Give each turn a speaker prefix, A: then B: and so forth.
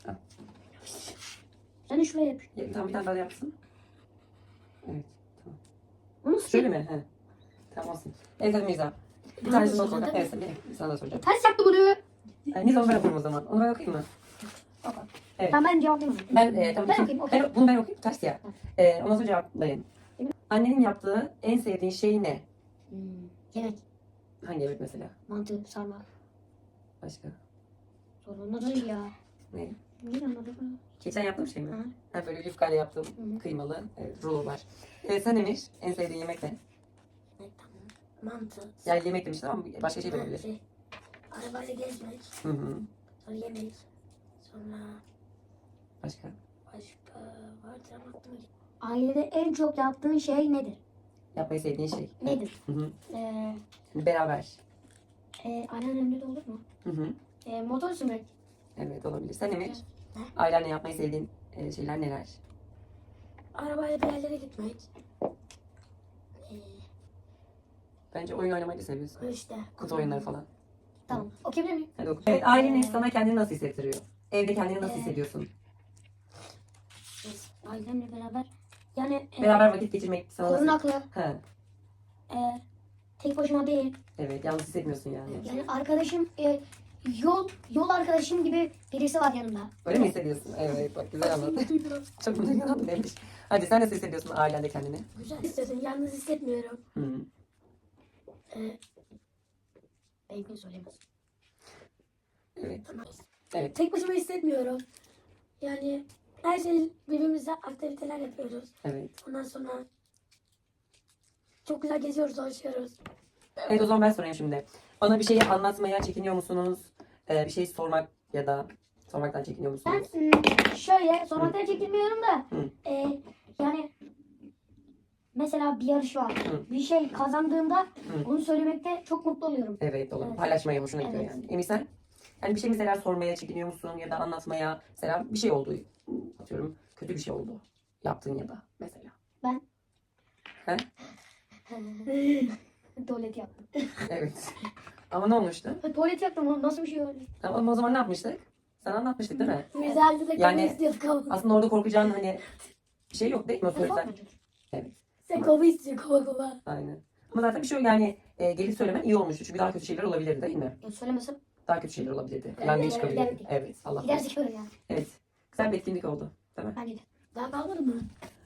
A: Al.
B: Sen de şuraya yap.
A: Tamam, bir tane daha yapsın. Evet. Tamam.
B: Onu
A: Şöyle mi? He. Tamam olsun. Evet hadi Mirza. Bir tanesini not koy. Evet sana da soracağım.
B: Ters yaptı bunu.
A: Mirza onu ben okuyayım o zaman. Onu ben okuyayım mı? Evet.
B: Tamam ben cevaplayayım.
A: Tamam,
B: Ben okuyayım, okey.
A: bunu ben okuyayım. Ters ya. Ondan sonra cevaplayın. Annenin yaptığı en sevdiğin şey ne?
B: Yemek.
A: Hangi yemek mesela?
B: Mantı, sarma.
A: Başka?
B: Sorun değil ya.
A: Ne?
B: Niye anladın?
A: Geçen yaptığım şey mi?
B: Hı.
A: Ha, böyle yufkayla yaptığım
B: Hı.
A: kıymalı rulo var. Sen Emir, en sevdiğin yemek ne?
C: Mantı.
A: Yani yemek demiştin ama başka şey de olabilir.
C: Arabayla gezmek.
A: Hı hı.
C: Sonra yemek. Sonra
A: Başka?
C: başka vardı ama aklıma gelmedi.
B: Ailede en çok yaptığın şey nedir?
A: Yapmayı sevdiğin şey.
B: Nedir?
A: Hı hı.
B: Ee,
A: Beraber.
B: anneannemde de olur mu?
A: Hı hı.
B: Motor sürmek.
A: Evet olabilir. Sen Emir,
C: Ne?
A: ailenle yapmayı sevdiğin şeyler neler?
C: Arabayla bir yerlere gitmek.
A: Bence oyun oynamayı da seviyorsun.
C: İşte.
A: Kutu oyunları falan.
B: Tamam. Okuyabilir miyim?
A: Hadi oku. Evet, ailenin sana kendini nasıl hissettiriyor? Evde kendini nasıl hissediyorsun?
B: Biz ailemle beraber. Yani
A: Beraber vakit geçirmek sana nasıl?
B: korunaklı.
A: Ha,
B: Tek başıma değil.
A: evet, yalnız hissetmiyorsun yani.
B: Yani arkadaşım yol arkadaşım gibi birisi var yanımda.
A: Öyle mi hissediyorsun? Evet, bak güzel anlattın. Çok güzel anlattın demiş. Hadi sen nasıl hissediyorsun ailende kendini?
C: Güzel hissediyorum. Yalnız hissetmiyorum.
A: Hı.
B: Benimkini söylemez.
A: Evet. Evet.
C: Tek başıma hissetmiyorum. Yani her şey birbirimizle aktiviteler yapıyoruz.
A: Evet.
C: Ondan sonra çok güzel geziyoruz, dolaşıyoruz.
A: Evet, o zaman ben sorayım şimdi. Bana bir şeyi anlatmaya çekiniyor musunuz? Bir şey sormak ya da sormaktan çekiniyor
B: Ben
A: musunuz?
B: şöyle sormaktan çekinmiyorum da
A: Hı.
B: yani mesela bir yarış var.
A: Hı.
B: Bir şey kazandığımda
A: Hı.
B: onu söylemekte çok mutlu oluyorum.
A: Evet, olur.
B: Evet.
A: Paylaşmaya hoşuna gidiyor
B: Evet.
A: yani. Emir sen? Yani bir şey mesela sormaya çekiniyor musun ya da anlatmaya? Mesela bir şey oldu. Atıyorum kötü bir şey oldu. Yaptın ya da mesela.
B: Ben
A: He?
B: tuvalet yaptım.
A: Evet. Ama ne olmuştu?
B: Tuvalet yaptım oğlum nasıl bir şey öyle?
A: Ama o zaman ne yapmıştık? Sana anlatmıştık değil mi?
C: Güzeldi de
A: Yani-
C: yani, istiyorduk ama.
A: Aslında orada korkacağın hani bir şey yok değil mi? O söylesen. Evet.
C: Sen kova istiyor kova.
A: Aynen. Ama zaten bir şey yok yani gelip söylemen iyi olmuştu. Çünkü daha kötü şeyler olabilirdi değil mi?
B: Ya söylemesem
A: Daha kötü şeyler olabilirdi. Plan değil çıkabilirdi.
B: giderdik.
A: Evet. Allah korusun.
B: gidersek öyle yani.
A: Evet. Güzel bir etkinlik oldu. Değil mi?
B: Bence de.
C: Daha kalmadı mı?